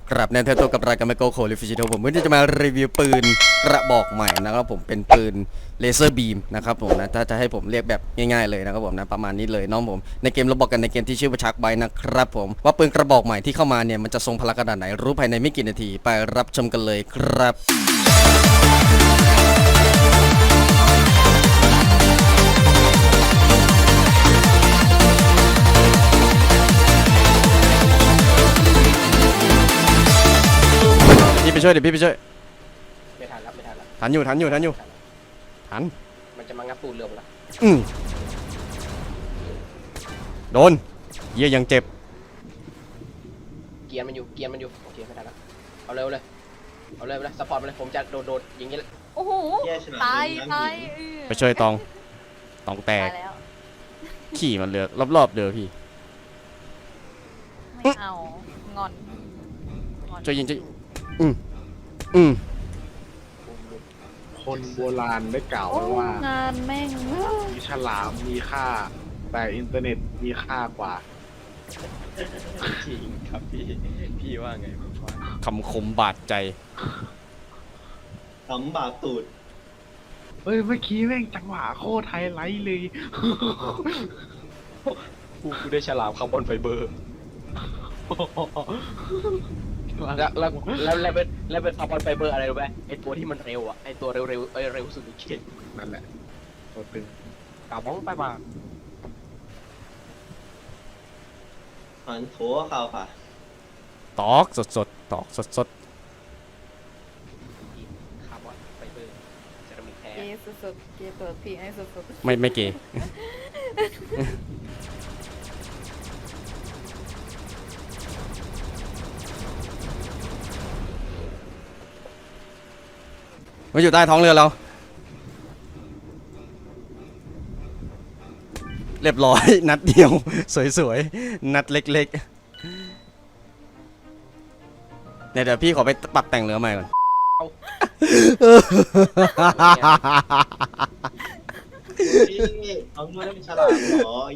กลับในเทปตัวกับรายการไมโครโคลิฟิชิโตผมวันนี้จะมารีวิวปืนกระบอกใหม่นะครับผมเป็นปืนเลเซอร์บีมนะครับผมนะถ้าจะให้ผมเรียกแบบง่ายๆเลยนะครับผมนะประมาณนี้เลยน้องผมในเกมเราบอกกันในเกมที่ชื่อว่าชักไบนะครับผมว่าปืนกระบอกใหม่ที่เข้ามาเนี่ยมันจะทรงพลังขนาดไหนรู้ภายในไม่กี่นาทีไปรับชมกันเลยครับพี่ไปช่วยเดี๋ยวพี่ไปช่วยไม่ทันแล้วไม่ทันแล้วทันอยู่ทันมันจะมางับตูดเรือหมดแล้วโดนเยี่ยยังเจ็บเกียร์มันอยู่โอเคไม่ทันแล้วเอาเร็วเลยซัพพอร์ตมาเลยผมจะโดดอย่างนี้เลยโอ้โหตายไปช่วยตองแตกแล้วขี่มันเรือรอบๆเดือพี่ไม่เอางอนช่วยยิงคนโบราณได้กล่าวโอ้ไว้ว่างานแม่งมีฉลามมีค่า แต่อินเทอร์เน็ตมีค่ากว่าจริงครับพี่ว่าไงผมว่าคำคมบาดใจทำบาปตูดเฮ้ยเมื่อกี้แม่งจังหวะโคตรไฮไลท์เลยกูได้ฉลามคาร์บอนไฟเบอร์แล้วเป็นคาร์บอนไฟเบอร์อะไรรู้ไหมไอตัวที่มันเร็วอ่ะไอตัวเร็วเร็วสุดในเกมนั่นแหละตัวตึงกลับบ้องไปมาหันโถข่าวค่ะตอกสดตอกสดคาร์บอนไฟเบอร์เซรามิกแท้เกย์สุดๆเกย์เปิดพีให้สุดๆไม่เกมันอยู่ใต้ท้องเรือเราเรียบร้อยนัดเดียวสวยๆนัดเล็กๆเดี๋ยวพี่ขอไปปรับแต่งเรือใหม่ก่อนพี่เอาเงินได้เป็นฉลามเหรอ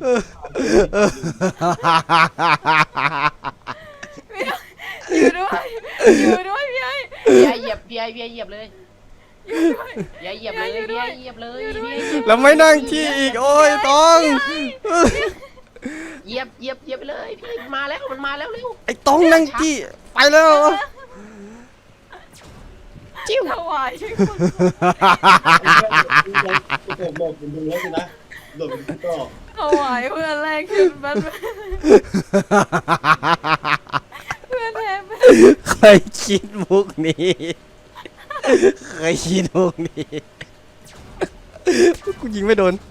อยู่ด้วยพี่ไอ้เหยียบเลยเหยียบเลยแล้วไม่นั่งที่อีกโอ้ยต้องเหยียบไปเลยพี่มันมาแล้วเร็วไอ้ต้องนั่งที่ไปแล้วจิ้วถวายผมบอกผมดูแล้วสินะโดดเป็นก็ถวายเพื่อนแรกขึ้นบ้านเพื่อนแทนใครคิดมุกนี้กูยิงไม่โดน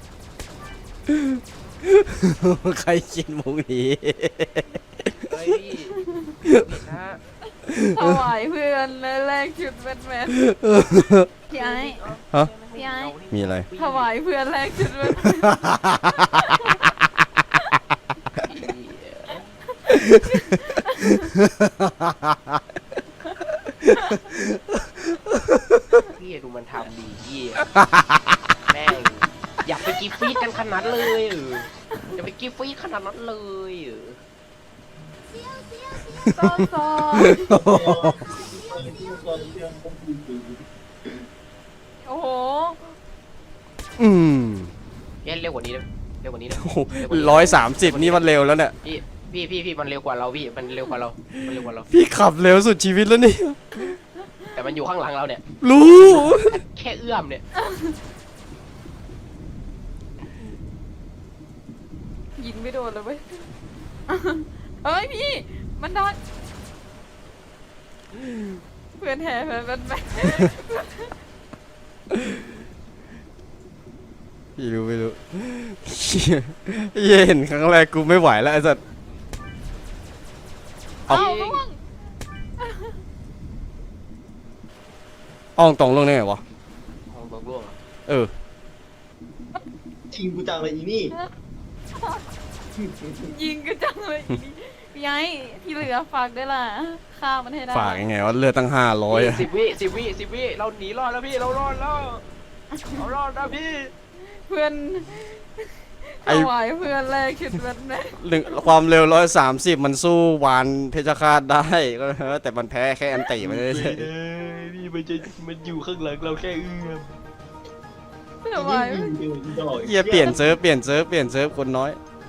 ใครคิดมุกนี้เฮ้ยนะถวายเพื่อนแรกชุดแบทแมนพี่ไอ้ฮะพี่ไอ้มีอะไรถวายเพื่อนแรกชุดแบทแมนพี่ดูมันทำดีพี่แม่งอยากไปกีฟีดกันขนาดเลยอย่าไปกีฟีดขนาดนั้นเลยซอโอ้โหเร็วกว่านี้นะเร็วกว่านี้นะ 130นี่มันเร็วแล้วเนี่ยพี่มันเร็วกว่าเราพี่มันเร็วกว่าเราพี่ขับเร็วสุดชีวิตแล้วนี่แต่มันอยู่ข้างหลังเราเนี่ยรู้แค่เอื้อมเนี่ยยิงไม่โดนเลยเว้ยเฮ้ยพี่มันโดนเพื่อนแห่เพื่อนแบทแมนพี่รู้ไม่รู้เห็นครั้งแรกกูไม่ไหวแล้วไอ้สัสเอาล่วงอ้องตรงลงได้ไงวะของบอกล่วงเออชิงกูจังเลยอีนี่ยิงก็จังเลยอีนี่พี่ไอ้ที่เหลือฝากด้วยล่ะฆ่ามันให้ได้ฝากยังไงว่าเลือดตั้ง500อะ 10 วิเราหนีรอดแล้วพี่เรารอดแล้วนะพี่เพื่อนไอ้ถวายเพื่อนแรกชุดวันแม่ความเร็ว130มันสู้วานเพชรฆาตได้ก็แต่มันแพ้แค่อันติมันเลยนี่มันอยู่ข้างหลังเราแค่เอื้อมถวายยิงดอกเหี้ยเปลี่ยนเซิร์ฟคนน้อย